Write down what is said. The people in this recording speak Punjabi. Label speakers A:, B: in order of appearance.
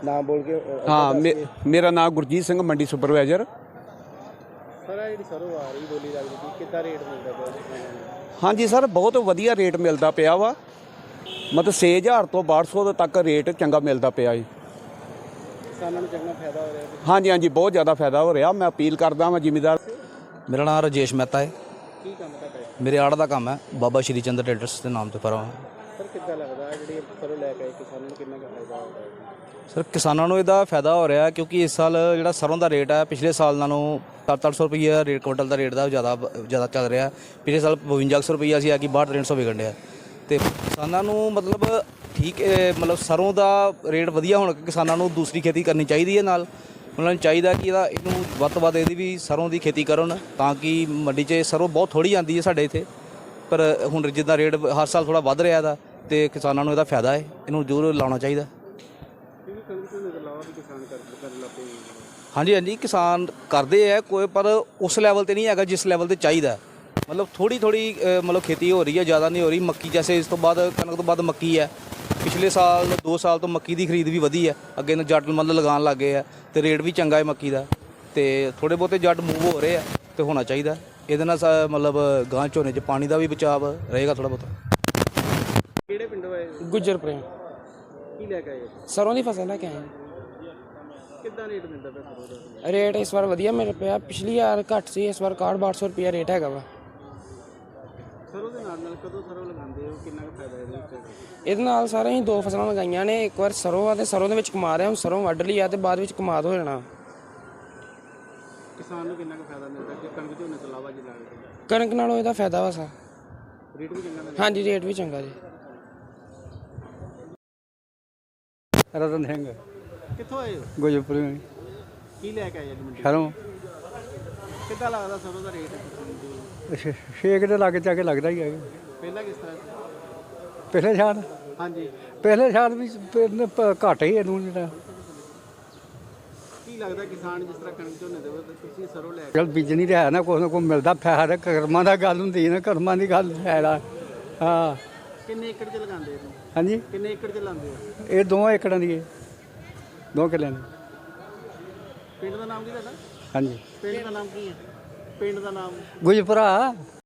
A: ਨਾਮ ਬੋਲ ਕੇ
B: हाँ मेरा नाम गुरजीत सिंह मंडी सुपरवाइजर।
A: ਸਰ ਜਿਹੜੀ ਸਰੋਂ ਆ ਰਹੀ ਬੋਲੀ ਲੱਗਦੀ ਸੀ ਕਿੱਦਾਂ ਰੇਟ ਮਿਲਦਾ ਪਿਆ ਕਿਸਾਨਾਂ ਨੂੰ?
B: हाँ जी सर बहुत वधिया रेट मिलता पिया वा, मतलब 6000 तो 1200 तक रेट चंगा मिलता पिया जी।
A: ਕਿਸਾਨਾਂ ਨੂੰ ਚੰਗਾ ਫਾਇਦਾ ਹੋ ਰਿਹਾ ਹੈ।
B: हाँ जी बहुत ज़्यादा फायदा हो रहा। मैं अपील करदा वां जिमीदार।
C: मेरा नाम राजेश मेहता है।
A: ਕੀ ਕੰਮ ਤੁਹਾਡਾ ਹੈ?
C: मेरे आड़ का काम है बाबा श्री चंद्र ट्रेडर्स के नाम से फर्म है।
A: ਸਰ ਕਿੱਦਾਂ ਲੱਗਦਾ ਹੈ ਜਿਹੜੀ ਸਰੋਂ ਲੈ ਕੇ ਆਏ ਕਿਸਾਨਾਂ ਨੂੰ ਕਿੰਨਾ ਕੁ ਫਾਇਦਾ ਹੋ ਰਿਹਾ ਹੈ?
C: ਸਰ ਕਿਸਾਨਾਂ ਨੂੰ ਇਹਦਾ ਫਾਇਦਾ ਹੋ ਰਿਹਾ ਕਿਉਂਕਿ ਇਸ ਸਾਲ ਜਿਹੜਾ ਸਰੋਂ ਦਾ ਰੇਟ ਹੈ ਪਿਛਲੇ ਸਾਲ ਨਾਲੋਂ 700 ਰੁਪਈਆ ਰੇਟ ਕੁਇੰਟਲ ਦਾ ਰੇਟ ਦਾ ਜ਼ਿਆਦਾ ਚੱਲ ਰਿਹਾ। ਪਿਛਲੇ ਸਾਲ 5200 ਰੁਪਈਆ ਸੀ, ਆ ਕਿ 6300 ਵਿਕਣ ਡਿਆ ਤੇ ਕਿਸਾਨਾਂ ਨੂੰ ਮਤਲਬ ਠੀਕ ਮਤਲਬ ਸਰੋਂ ਦਾ ਰੇਟ ਵਧੀਆ ਹੋਣ ਕਰਕੇ ਕਿਸਾਨਾਂ ਨੂੰ ਦੂਸਰੀ ਖੇਤੀ ਕਰਨੀ ਚਾਹੀਦੀ ਹੈ। ਨਾਲ ਉਹਨਾਂ ਨੂੰ ਚਾਹੀਦਾ ਕਿ ਇਹਨੂੰ ਵੱਧ ਤੋਂ ਵੱਧ ਇਹਦੀ ਵੀ ਸਰੋਂ ਦੀ ਖੇਤੀ ਕਰਨ ਤਾਂ ਕਿ ਮੰਡੀ 'ਚ ਸਰੋਂ ਬਹੁਤ ਥੋੜ੍ਹੀ ਆਉਂਦੀ ਹੈ ਸਾਡੇ ਇੱਥੇ, ਪਰ ਹੁਣ ਜਿੱਦਾਂ ਰੇਟ ਹਰ ਸਾਲ ਥੋੜ੍ਹਾ ਵੱਧ ਰਿਹਾ ਦਾ ਤੇ ਕਿਸਾਨਾਂ ਨੂੰ ਇਹਦਾ ਫਾਇਦਾ ਹੈ, ਇਹਨੂੰ ਜ਼ਰੂਰ ਲਾਉਣਾ ਚਾਹੀਦਾ।
A: ਕਿਉਂਕਿ ਕਣਕ ਤੋਂ ਇਲਾਵਾ ਵੀ ਕਿਸਾਨ ਕਰਨ ਲੱਗ ਪਏ।
C: ਹਾਂਜੀ ਕਿਸਾਨ ਕਰਦੇ ਆ ਕੋਈ, ਪਰ ਉਸ ਲੈਵਲ ਤੇ ਨਹੀਂ ਹੈਗਾ ਜਿਸ ਲੈਵਲ ਤੇ ਚਾਹੀਦਾ। ਮਤਲਬ ਥੋੜੀ ਮਤਲਬ ਖੇਤੀ ਹੋ ਰਹੀ ਹੈ, ਜ਼ਿਆਦਾ ਨਹੀਂ ਹੋ ਰਹੀ। ਮੱਕੀ ਜੈਸੇ ਇਸ ਤੋਂ ਬਾਅਦ ਕਣਕ ਤੋਂ ਬਾਅਦ ਮੱਕੀ ਹੈ। ਪਿਛਲੇ ਸਾਲ 2 ਸਾਲ ਤੋਂ ਮੱਕੀ ਦੀ ਖਰੀਦ ਵੀ ਵਧੀ ਹੈ, ਅੱਗੇ ਨੂੰ ਜੱਟ ਮਤਲਬ ਲਗਾਉਣ ਲੱਗ ਗਏ ਆ ਤੇ ਰੇਟ ਵੀ ਚੰਗਾ ਹੈ ਮੱਕੀ ਦਾ, ਤੇ ਥੋੜੇ ਬਹੁਤੇ ਜੱਟ ਮੂਵ ਹੋ ਰਹੇ ਆ ਤੇ ਹੋਣਾ ਚਾਹੀਦਾ। ਇਹਦੇ ਨਾਲ ਮਤਲਬ ਗਾਂ ਝੋਨੇ 'ਚ ਪਾਣੀ ਦਾ ਵੀ ਬਚਾਵ ਰਹੇਗਾ ਥੋੜਾ ਬਹੁਤਾ।
A: ਕਿਹੜੇ ਪਿੰਡੋਂ ਆਏ?
D: ਗੁੱਜਰ ਪ੍ਰੇਮ
A: ਕੀ ਲੈ ਕੇ ਆਏ?
D: ਸਰੋਂ ਦੀ ਫਸਲ ਲੈ ਕੇ ਆਏ।
A: ਕਿੱਦਾਂ ਰੇਟ ਮਿਲਦਾ ਪਿਆ ਸਰੋਂ ਦਾ?
D: ਰੇਟ ਇਸ ਵਾਰ ਵਧੀਆ ਮਿਲ ਪਿਆ, ਪਿਛਲੀ ਵਾਰ ਘੱਟ ਸੀ, ਇਸ ਵਾਰ 61-6200 ਰੁਪਿਆ ਰੇਟ ਹੈਗਾ ਵਾ।
A: ਸਰੋਂ ਦੇ ਨਾਲ ਕਦੋਂ ਸਰੋਂ ਲਗਾਉਂਦੇ ਹੋ, ਕਿੰਨਾ ਕੁ ਫਾਇਦਾ ਇਹਦੇ ਵਿੱਚ?
D: ਇਹਦੇ ਨਾਲ ਸਾਰੇ ਅਸੀਂ 2 ਫਸਲਾਂ ਲਗਾਈਆਂ ਨੇ। ਇੱਕ ਵਾਰ ਸਰੋਂ ਆ ਤੇ ਸਰੋਂ ਦੇ ਵਿੱਚ ਕਮਾ ਰਿਹਾ, ਹੁਣ ਸਰੋਂ ਵੱਢ ਲਈ ਆ ਤੇ ਬਾਅਦ ਵਿੱਚ ਕਮਾਦ ਹੋ ਜਾਣਾ।
A: ਕਿਸਾਨ ਨੂੰ ਕਿੰਨਾ ਕੁ ਫਾਇਦਾ ਮਿਲਦਾ ਕਿ ਕਣਕ ਝੋਨੇ ਤੋਂ ਇਲਾਵਾ ਜੀ ਲੱਗਦਾ?
D: ਕਣਕ ਨਾਲੋਂ ਇਹਦਾ ਫਾਇਦਾ ਵਾ ਸਾ।
A: ਰੇਟ ਵੀ ਚੰਗਾ ਮਿਲਦਾ?
D: ਹਾਂਜੀ ਰੇਟ ਵੀ ਚੰਗਾ ਜੀ।
E: ਰਤਨ ਸਿੰਘ
A: ਕਿੱਥੋਂ ਆਏ ਹੋ?
E: ਗੁਜਰਪੁਰ
A: ਕੀ ਲੈ ਕੇ ਆਏ ਜੀ ਮੰਡੀ?
E: ਸ਼ਰੋਂ
A: ਕਿੱਦਾਂ ਲੱਗਦਾ ਸਰੋਂ ਦਾ ਰੇਟ?
E: ਛੇਕ ਦੇ ਲਾਗੇ ਜਾ ਕੇ ਲੱਗਦਾ ਹੀ ਹੈ।
A: ਪਹਿਲਾਂ ਕਿਸ ਤਰ੍ਹਾਂ ਸੀ?
E: ਪਿਛਲੇ ਸਾਲ
A: ਹਾਂਜੀ
E: ਵੀ ਘੱਟ ਹੀ ਇਹਨੂੰ ਜਿਹੜਾ
A: ਕੀ ਲੱਗਦਾ ਕਿਸਾਨ ਜਿਸ ਤਰ੍ਹਾਂ ਕਣਕ ਝੋਨੇ ਦੇ ਤੇ ਤੁਸੀਂ ਸਰੋਂ ਲੈ ਕੇ
E: ਚਲ ਬੀਜਣੀ ਤਾਂ ਹੈ ਨਾ, ਕੁਛ ਨਾ ਕੁਛ ਮਿਲਦਾ ਫਾਇਦਾ। ਕਰਮਾਂ ਦਾ ਗੱਲ ਹੁੰਦੀ ਹੈ ਨਾ, ਕਰਮਾਂ ਦੀ ਗੱਲ ਫਾਇਦਾ। ਹਾਂ
A: ਕਿੰਨੇ ਏਕੜ 'ਚ ਲਗਾਉਂਦੇ ਹੋ?
E: ਹਾਂਜੀ
A: ਕਿੰਨੇ ਏਕੜ 'ਚ ਲਾਉਂਦੇ ਹੋ?
E: ਇਹ 2 ਏਕੜਾਂ ਦੀ ਹੈ, 2 ਕਿੱਲਿਆਂ ਦੀ।
A: ਪਿੰਡ ਦਾ ਨਾਮ ਕੀ ਤੁਹਾਡਾ?
E: ਹਾਂਜੀ
A: ਪਿੰਡ ਦਾ ਨਾਮ ਕੀ ਹੈ? ਪਿੰਡ ਦਾ ਨਾਮ?
E: ਗੁਜਪੁਰਾ।